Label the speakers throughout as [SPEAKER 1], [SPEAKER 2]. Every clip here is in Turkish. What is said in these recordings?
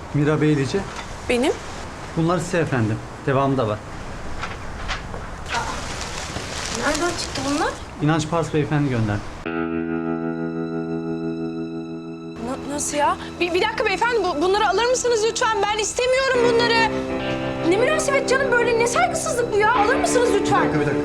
[SPEAKER 1] Mira Beylice.
[SPEAKER 2] Benim?
[SPEAKER 1] Bunlar size efendim. Devamı da var.
[SPEAKER 2] Nereden çıktı bunlar?
[SPEAKER 1] İnanç Pars Beyefendi gönderdi.
[SPEAKER 2] Nasıl ya? Bir dakika beyefendi, bunları alır mısınız lütfen? Ben istemiyorum bunları. Ne münasebet canım, böyle ne saygısızlık bu ya? Alır mısınız lütfen?
[SPEAKER 1] Bir dakika.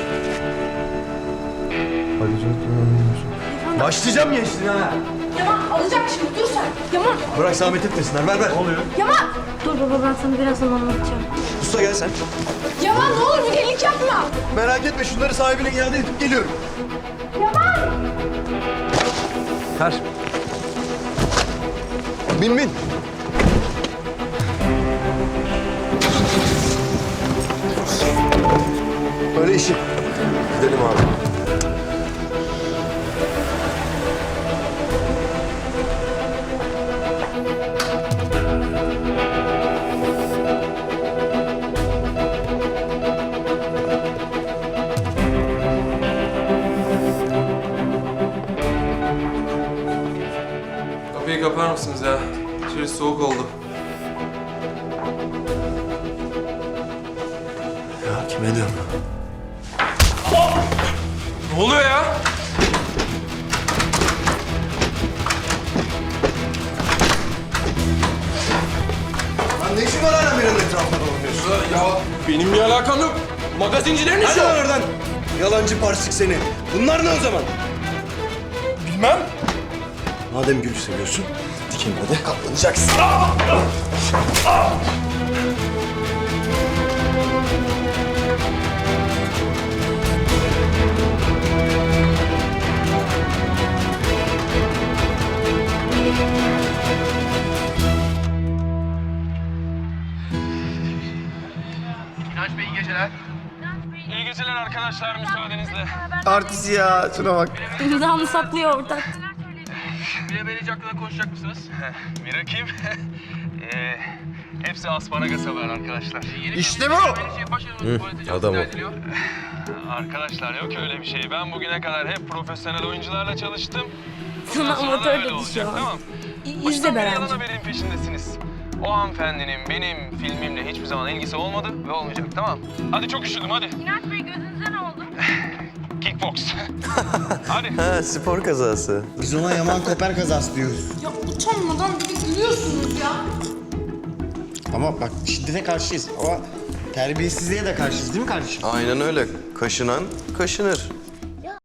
[SPEAKER 3] Başlayacağım gençliğine ha.
[SPEAKER 2] Yaman alacak şimdi, dur sen. Yaman,
[SPEAKER 3] Bırak zahmet etmesinler. Ver ver. Oluyor.
[SPEAKER 2] Yaman!
[SPEAKER 4] Dur baba, ben sana birazdan anlatacağım.
[SPEAKER 3] Usta gel sen.
[SPEAKER 2] Yaman ne olur bir delilik yapma.
[SPEAKER 3] Merak etme, şunları sahibine iade edip geliyorum.
[SPEAKER 1] Ver.
[SPEAKER 3] Bin bin. Öyle işi. Gidelim abi.
[SPEAKER 5] Kapıyı kapar mısınız ya? İçerisi soğuk oldu.
[SPEAKER 3] Ya kime diyorum?
[SPEAKER 5] Ne oluyor ya?
[SPEAKER 3] Lan ne işin var hala Mira'nın etrafında dolanıyorsun?
[SPEAKER 5] Ya benim bir alakam yok. Magazincilerin işi
[SPEAKER 3] Hadi
[SPEAKER 5] o.
[SPEAKER 3] lan oradan. Yalancı parsik seni. Bunlar ne o zaman?
[SPEAKER 5] Bilmem.
[SPEAKER 3] Madem gülü seviyorsun, dikenine de katlanacaksın.
[SPEAKER 6] İnanç Bey iyi geceler.
[SPEAKER 5] İyi geceler arkadaşlar, müsaadenizle.
[SPEAKER 3] Artist ya, şuna bak.
[SPEAKER 4] İmzamı saklıyor ortak.
[SPEAKER 6] Mira Beylice hakkında konuşacak mısınız?
[SPEAKER 5] Mira kim? Hepsi asparagas haber arkadaşlar.
[SPEAKER 3] İşte bu.
[SPEAKER 6] Adam o.
[SPEAKER 5] Arkadaşlar yok öyle bir şey. Ben bugüne kadar hep profesyonel oyuncularla çalıştım.
[SPEAKER 4] Sana
[SPEAKER 5] Bundan sonra da
[SPEAKER 4] amatör
[SPEAKER 5] öyle
[SPEAKER 4] dedi
[SPEAKER 5] olacak,
[SPEAKER 4] şu an.
[SPEAKER 5] tamam.
[SPEAKER 4] İzle
[SPEAKER 5] Baştan beri
[SPEAKER 4] Berencim.
[SPEAKER 5] yalan haberin peşindesiniz. O hanımefendinin benim filmimle hiçbir zaman ilgisi olmadı ve olmayacak, tamam. Hadi çok üşüdüm, hadi.
[SPEAKER 4] İnanç Bey, gözünüze ne oldu?
[SPEAKER 5] Kickbox. Hadi.
[SPEAKER 3] Ha, spor kazası. Biz ona Yaman Koper kazası diyoruz.
[SPEAKER 2] Ya utanmadan bir de gülüyorsunuz ya.
[SPEAKER 7] Ama bak şiddete karşıyız ama terbiyesizliğe de karşıyız değil mi kardeşim?
[SPEAKER 8] Aynen öyle. Kaşınan kaşınır.